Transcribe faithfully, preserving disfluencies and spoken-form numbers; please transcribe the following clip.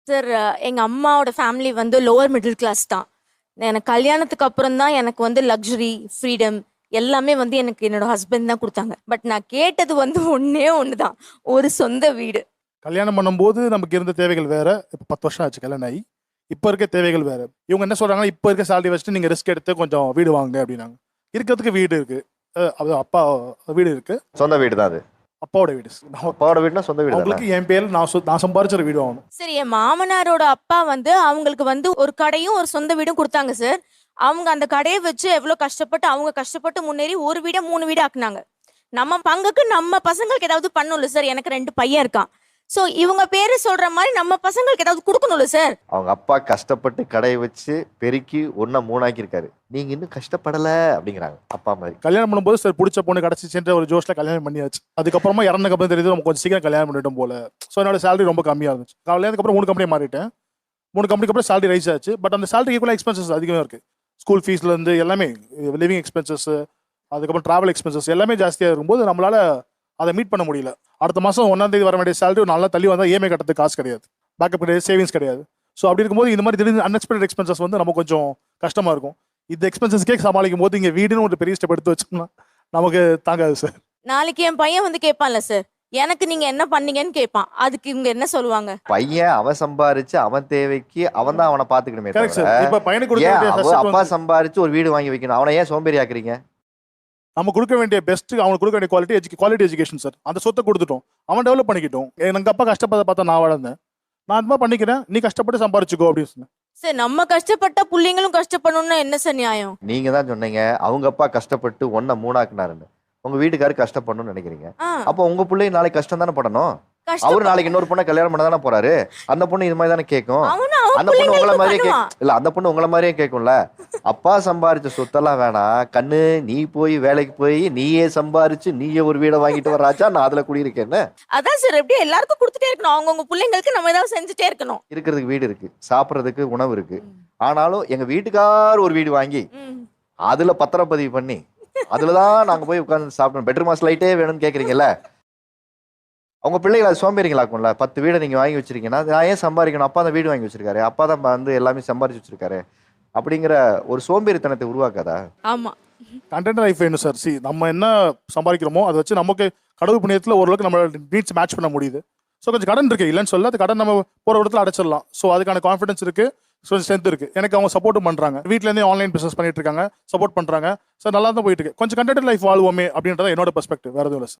Sir எங்க அம்மாவோட family வந்து லோவர் மிடில் கிளாஸ் தான். எனக்கு கல்யாணத்துக்கு அப்புறம் தான் எனக்கு வந்து லக்ஸுரி ஃப்ரீடம் எல்லாமே வந்து எனக்கு என்னோட ஹஸ்பண்ட் தான் கொடுத்தாங்க. பட் நான் கேட்டது வந்து ஒண்ணே ஒன்று தான், ஒரு சொந்த வீடு. கல்யாணம் பண்ணும்போது நமக்கு இருந்த தேவைகள் வேற. இப்போ பத்து வருஷம் ஆச்சு கல்யாணம் ஆகி. இப்போ இருக்க தேவைகள் வேற. இவங்க என்ன சொல்றாங்கன்னா, இப்போ இருக்க சேலரி வச்சுட்டு நீங்க ரிஸ்க் எடுத்து கொஞ்சம் வீடு வாங்க அப்படின்னாங்க. இருக்கிறதுக்கு வீடு இருக்கு. அஹ் அது அப்பா வீடு இருக்கு. சொந்த வீடு தான் அது. அப்பாவோட வீடு. நம்ம அப்பாவோட வீடுனா சொந்த வீடு தானே? அவங்களுக்கு என் பேர்ல நான் சொ- நான் சம்பாரிச்ச வீடு வாங்கணும். சரி, என் மாமனாரோட அப்பா வந்து அவங்களுக்கு வந்து ஒரு கடையும் ஒரு சொந்த வீடும் கொடுத்தாங்க சார். அவங்க அந்த கடையை வச்சு எவ்வளவு கஷ்டப்பட்டு அவங்க கஷ்டப்பட்டு முன்னேறி ஒரு வீட மூணு வீடு ஆக்குனாங்க. நம்ம பங்குக்கு நம்ம பசங்களுக்கு ஏதாவது பண்ணணும்ல சார். எனக்கு ரெண்டு பையன் இருக்கான். சோ இவங்க பேரு சொல்ற மாதிரி நம்ம பசங்களுக்கு ஏதாவது கொடுக்கணும்ல சார். அவங்க அப்பா கஷ்டப்பட்டு கடையை வச்சு பெருக்கி ஒன்னா மூணாக்கி இருக்காரு. நீங்க இன்னும் கஷ்டப்படல அப்படிங்கிறாங்க அப்பா மாதிரி. கல்யாணம் பண்ணும்போது சார் பிடிச்ச பொண்ணு கிடச்சிச்சுன்ற ஒரு ஜோஷ்ல கல்யாணம் பண்ணியாச்சு. அதுக்கப்புறமா இறந்ததுக்கு அப்புறம் தெரியுது நம்ம கொஞ்சம் சீக்கிரம் கல்யாணம் பண்ணிட்டோம் போல. ஸோ என்னோட சேலரி ரொம்ப கம்மியாக இருந்துச்சு. கல்யாணத்துக்கு அப்புறம் மூணு கம்பெனி மாறிட்டேன். மூணு கம்பெனிக்கு அப்புறம் சேலரி ரைஸ் ஆச்சு. பட் அந்த சேலரி ஈக்குவலாக எக்ஸ்பென்சஸ் அதிகமாக இருக்கு. ஸ்கூல் ஃபீஸ்ல இருந்து எல்லாமே, லிவிங் எக்ஸ்பென்சஸ், அதுக்கப்புறம் டிராவல் எக்ஸ்பென்சஸ் எல்லாமே ஜாஸ்தியாக இருக்கும்போது நம்மளால அதை மீட் பண்ண முடியல. அடுத்த மாதம் ஒன்றாம் தேதி வர வேண்டிய சேலரி நல்லா தள்ளி வந்தால் இஎம்ஐ கட்டுறதுக்கு காசு கிடையாது, பேக்கப் கிடையாது, சேவிங்ஸ் கிடையாது. ஸோ அப்படி இருக்கும்போது இந்த மாதிரி திடீர்னு அன்எக்ஸ்பெக்டட் எக்ஸ்பென்சஸ் வந்து நமக்கு கொஞ்சம் கஷ்டமாக இருக்கும். இந்த எக்ஸ்பென்சஸ்க்கே சமாளிக்கும் போது இங்கே வீடுன்னு ஒரு பெரிய ஸ்டெப் எடுத்து வச்சோம்னா நமக்கு தாங்காது சார். நாளைக்கு என் பையன் வந்து கேட்பான்ல சார், எனக்கு நீங்க என்ன பண்ணீங்கன்னு கேட்பான். அதுக்கு இவங்க என்ன சொல்லுவாங்க? பையன் அவன் சம்பாரிச்சு அவன் தேவைக்கு அவன் தான் அவனை பாத்துக்கணுமே கரெக்ட் தவிர, சார். இப்போ பையனுக்கு கொடுக்க ஏன் வேண்டிய அவன் first அப்பா வந்து சம்பாரிச்சு ஒரு வீடு வாங்கி வைக்கணும்? அவனை ஏன் சோம்பேறி ஆக்குறீங்க? நம்ம கொடுக்க வேண்டிய பெஸ்ட், அவனுக்கு கொடுக்க வேண்டிய குவாலிட்டி எஜுகே குவாலிட்டி எஜுகேஷன் சார். அந்த சொத்தை கொடுத்துட்டோம், அவன் டெவலப் பண்ணிக்கிட்டோம். எங்க அப்பா கஷ்டப்பட பார்த்தா நான் வளர்ந்தேன், நான் அந்த மாதிரி பண்ணிக்கிறேன், நீ கஷ்டப்பட்டு சம்பாரிச்சுக்கோ அப்படின்னு சொன்னேன். சார் நம்ம கஷ்டப்பட்ட புள்ளைங்களும் கஷ்டப்படணும்னா என்ன சார் நியாயம்? நீங்க தான் சொன்னீங்க அவங்க அப்பா கஷ்டப்பட்டு ஒன்ன மூணாக்குனாருன்னு. உங்க வீட்டுக்காரு கஷ்டப்படணும்னு நினைக்கிறீங்க. ஆ, அப்போ உங்க பிள்ளை நாளைக்கு கஷ்டம் தானே படணும். அவரு கஷ்டப்ப- நாளைக்கு இன்னொரு பொண்ணை கல்யாணம் பண்ண தானே போறாரு. அந்த பொண்ணு இது மாதிரி தானே கேட்கும். அவனும் அவன் அந்த பொண்ணு உங்களை பிள்ளைங்களுக்கு மாதிரியே பண்ணுவான். கேட்கும். இல்ல அந்த பொண்ணு உங்களை மாதிரியே கேட்கும்ல. அப்பா சம்பாரிச்ச சொத்தெல்லாம் வேணாம் கண்ணு, நீ போய் வேலைக்கு போய் நீயே சம்பாரிச்சு நீயே ஒரு வீடை வாங்கிட்டு வர்றாச்சா, நான் அதுல குடியிருக்கேன்னு. அதான் சார், எப்படியும் எல்லாருக்கும் கொடுத்துட்டே இருக்கணும். அவங்கவுங்க பிள்ளைங்களுக்கு நம்ம ஏதாவது செஞ்சுட்டே இருக்கணும். இருக்கிறதுக்கு வீடு இருக்கு, சாப்பிட்றதுக்கு உணவு இருக்கு. ஆனாலும் எங்க வீட்டுக்கார் ஒரு வீடு வாங்கி ம். அதுல பத்திரப்பதிவு பண்ணி அதுலதான் நாங்க போய் உட்கார்ந்து சாப்பிடணும், பெட்ரூம் மாஸ் லைட்டே வேணும்னு கேக்குறீங்கல்ல. அவங்க பிள்ளைகளை அது சோம்பேறிங்களாக்கும்ல. பத்து வீடை நீங்க வாங்கி வச்சிருக்கீங்கன்னா நான் ஏன் சம்பாதிக்கணும்? அப்பா தான் வீடு வாங்கி வச்சிருக்காரு, அப்பா தான் வந்து எல்லாமே சம்பாரிச்சு வச்சிருக்காரு அப்படிங்கிற ஒரு சோம்பேறித்தனத்தை உருவாக்காதா? ஆமா. கண்டென்ட் லைஃப் வேணும் சார். சி, நம்ம என்ன சம்பாதிக்கிறோமோ அதை வச்சு நமக்கு கடவுள் புண்ணியத்தில் ஓரளவுக்கு நம்ம நீட்ஸ் மேட்ச் பண்ண முடியுது. ஸோ கொஞ்சம் கடன் இருக்கு, இல்லைன்னு சொல்ல. அது கடன் நம்ம போகிற இடத்துல அடைச்சிடலாம். ஸோ அதுக்கான கான்ஃபிடன்ஸ் இருக்கு, ஸோ ஸ்ட்ரென்த் இருக்கு. எனக்கு அவங்க சப்போர்ட்டும் பண்றாங்க. வீட்டிலேருந்தே ஆன்லைன் பிசினஸ் பண்ணிட்டு இருக்காங்க, சப்போர்ட் பண்றாங்க. சார் நல்லா தான் போயிட்டு இருக்கு. கொஞ்சம் கண்டென்ட் லைஃப் வாழ்வோமே அப்படின்றத என்னோட பெர்ஸ்பெக்டிவ், வேற எதுவும் இல்லை சார்.